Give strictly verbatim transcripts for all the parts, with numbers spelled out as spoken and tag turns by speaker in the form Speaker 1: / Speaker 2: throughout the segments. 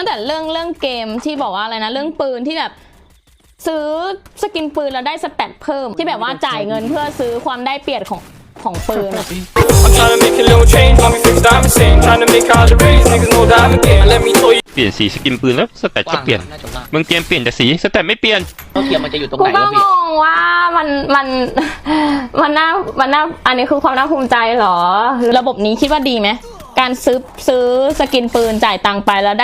Speaker 1: ตั้งแต่เรื่องเรื่องเกมที่บอกว่าอะไรนะเรื่องปืนที่แบบซื้อสกินปืนแล้วได้สเตตเพิ่มที่แบบว่าจ่ายเงินเพื่อซื้อความได้เปรียบของของปืนอะ
Speaker 2: เปลี่ยนสีสกินปืนแล้วสเตตก็เปลี่ยนบางเกมเปลี่ยนแต่สีสเตตไม่เปลี่ยน
Speaker 3: เท่าเทียมมันจะอยู่ตรง
Speaker 1: กู
Speaker 3: ไหน
Speaker 1: ก็
Speaker 3: วะ
Speaker 1: ง
Speaker 3: พี่
Speaker 1: งว่ามันมันมันน่ามันน่าอันนี้คือความน่าภูมิใจเหรอระบบนี้คิดว่าดีไหมการซื้อซื้อสกินปืนจ่ายตังค์ไปแล้วได้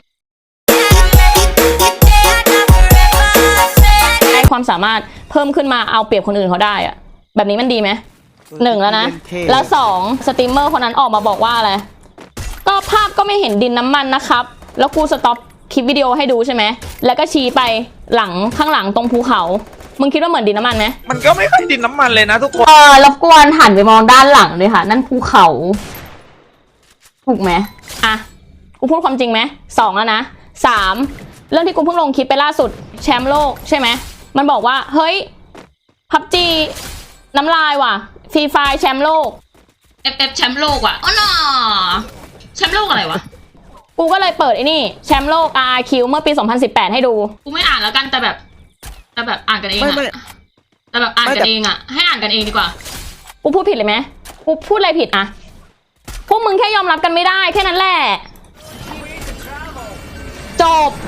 Speaker 1: ได้ความสามารถเพิ่มขึ้นมาเอาเปรียบคนอื่นเขาได้อะแบบนี้มันดีไหมหนึ่งแล้วนะแล้วสองสตรีมเมอร์คนนั้นออกมาบอกว่าอะไรก็ภาพก็ไม่เห็นดินน้ำมันนะครับแล้วกูสต็อปคลิปวิดีโอให้ดูใช่ไหมแล้วก็ชี้ไปหลังข้างหลังตรงภูเขามึงคิดว่าเหมือนดินน้ำมันไหม
Speaker 4: มันก็ไม่ค่อยดินน้ำมันเลยนะทุกคน
Speaker 1: เออรบกวนหันไปมองด้านหลังเลยค่ะนั่นภูเขาถูกไหมอ่ะกูพูดความจริงไหมสองแล้วนะสามเรื่องที่กูเพิ่งลงคลิปไปล่าสุดแชมป์โลกใช่ไหมมันบอกว่าเฮ้ยพับจีน้ำลายว่ะฟรีไฟแชมป์โลก
Speaker 5: เอฟเอฟแชมป์โลกว่ะอ๋อน่ะแชมป์โลกอะไรวะ
Speaker 1: กูก็เลยเปิดไอ้นี่แชมป์โลก อาร์ อาร์ คิว เมื่อปีสองพันสิบแปดให้ดู
Speaker 5: กูไม่อ่านแล้วกันแต่แบบแต่แบบอ่านกันเอง
Speaker 4: ไม่ไม่
Speaker 5: อะแต่แบบอ่านกันเองอะให้อ่านกันเองดีกว่า
Speaker 1: กูพูดผิดเลยไหมกูพูดอะไรผิดอะพวกมึงแค่ยอมรับกันไม่ได้แค่นั้นแหละจบ